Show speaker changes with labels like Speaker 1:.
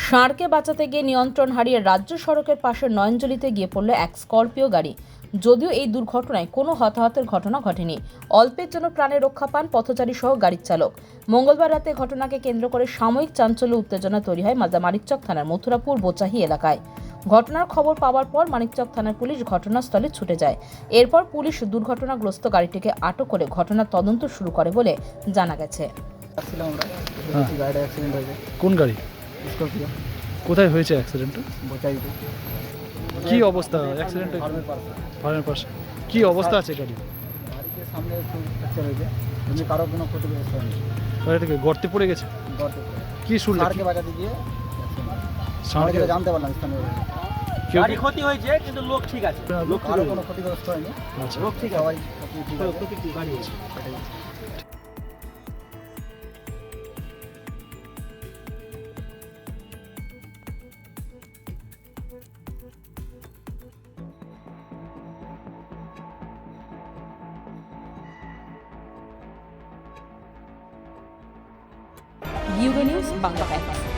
Speaker 1: ষাঁড়কে বাঁচাতে গিয়ে নিয়ন্ত্রণ হারিয়ে রাজ্য সড়কের পাশে নয়নজলিতে গিয়ে পড়ল এক স্করপিও গাড়ি। যদিও এই দুর্ঘটনায় কোনো হতাহতের ঘটনা ঘটেনি, অল্পের জন্য প্রাণে রক্ষা পান পথচারী সহ গাড়ির চালক। মঙ্গলবার রাতে ঘটনাকে কেন্দ্র করে সাময়িক চাঞ্চল্য উত্তেজনা তৈরি হয় মালদা মানিকচক থানার মথুরাপুর বোচাহি এলাকায়। ঘটনার খবর পাওয়ার পর মানিকচক থানার পুলিশ ঘটনাস্থলে ছুটে যায়। এরপর পুলিশ দুর্ঘটনাগ্রস্ত গাড়িটিকে আটক করে ঘটনার তদন্ত শুরু করে বলে জানা গেছে।
Speaker 2: কোন গাড়ি?
Speaker 3: স্করপিও।
Speaker 2: কোথায় হয়েছে অ্যাক্সিডেন্টটা?
Speaker 3: বোচাইতে।
Speaker 2: কি অবস্থা অ্যাক্সিডেন্টে? ফার্মের পাশে কি অবস্থা আছে গাড়ি?
Speaker 3: গাড়িতে সামনে একটু ফ্র্যাকচার হয়েছে, এমনি কারো কোনো ক্ষতিগ্রস্ত হয়নি।
Speaker 2: গাড়িটাকে গর্তে পড়ে গেছে?
Speaker 3: গর্তে
Speaker 2: কি শুনলে?
Speaker 3: ষাঁড়কে বাঁচাতে গিয়ে
Speaker 2: ষাঁড়কে
Speaker 3: জানতে পারলাম স্থানীয়
Speaker 2: কেউ
Speaker 4: গাড়ি ক্ষতি হয়েছে কিন্তু লোক ঠিক আছে।
Speaker 3: লোক কারো কোনো ক্ষতিগ্রস্ত হয়নি।
Speaker 2: আচ্ছা।
Speaker 4: লোক ঠিক আছে।
Speaker 3: সবাই ঠিক আছে।
Speaker 4: প্রতিটি গাড়ি আছে।
Speaker 1: Euro news Bangla.